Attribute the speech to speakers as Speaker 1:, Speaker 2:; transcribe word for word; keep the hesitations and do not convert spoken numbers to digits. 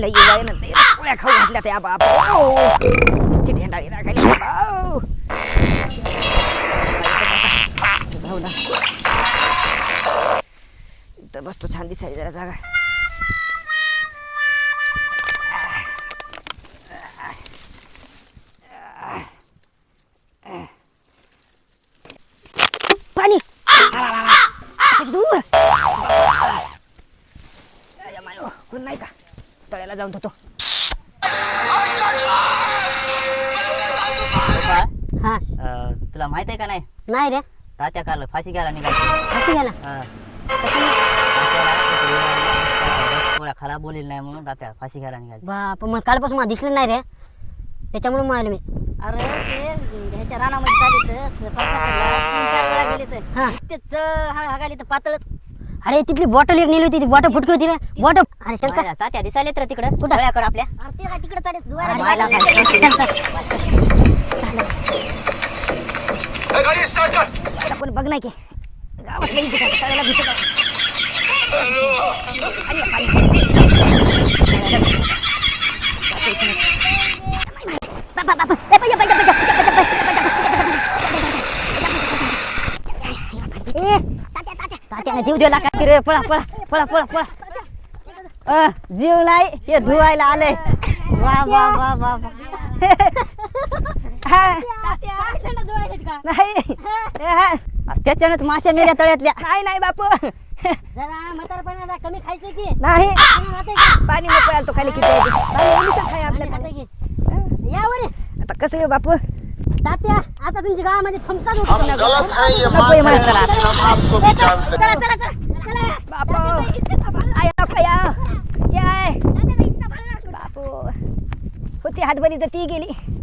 Speaker 1: लई वय ना ते पोळ्या खाऊ घातल्या त्या बाप ती ढेंडाळी राखायला बाबा जाऊ ना इथं बसतो छान दिसायला जरा जागा पाणी कशी दूर कोण नाही का तळ्याला जाऊन होतो
Speaker 2: हा
Speaker 3: तुला माहित आहे का नाही
Speaker 2: नाही रे
Speaker 3: तात्या काल फाशी घ्यायला निघाला
Speaker 2: फाशी घ्यायला
Speaker 3: थोड्या खराब बोलेल नाही म्हणून तात्या फाशी घ्यायला निघाला
Speaker 2: बाप मग कालपासून मला दिसलं नाही रे त्याच्यामुळे मग आलो मी
Speaker 4: अरे ते ह्याच्या रानामध्ये चालली तर तीन चार वेळा गेले तर
Speaker 2: हा.
Speaker 4: तेच हागाली तर पातळच
Speaker 2: अरे तिथली बॉटल एक नेली होती ती बॉटल फुटकी होती रे बॉटल अरे चल का
Speaker 3: तात्या दिसायला तर तिकडं कुठं गळ्याकडं आपल्या
Speaker 4: अरे ते काय तिकडे चालेल
Speaker 2: अरे,
Speaker 4: धुवायला
Speaker 2: चल, चल, चल.
Speaker 1: आता कोण बघ नाही की गावात लई जिथं तळ्याला भीती का आणि पाणी बाबा बाबा ए पाहिजे पाहिजे पाहिजे ए तात्या तात्या तात्याने जीव दिला काय रे पळा पळा पळा पळा पळा अ जीव नाही हे धुवायला आले वा वा वा वा नाही त्याच्यानंच मासे मेल्या तळ्यातल्या नाही नाही बापू
Speaker 4: जरा म्हातारपणा कमी खायचं की
Speaker 1: नाही
Speaker 4: राहते का
Speaker 1: पाणी नको यायला तो खाली किती आहे. पाणी ओलीचंच आहे
Speaker 4: खाते
Speaker 1: आपल्याकडे
Speaker 4: की यावर
Speaker 1: आता कसं आहे बापू
Speaker 4: तात्या आता तुमच्या गावामध्ये थमतात होते
Speaker 5: हम गलत है ये
Speaker 1: नको आहे मला चला
Speaker 5: हम आपको भी जानते हैं
Speaker 4: चला चला चला चला
Speaker 1: बापू आया नको या याय बापू होती हातभरी तर ती गेली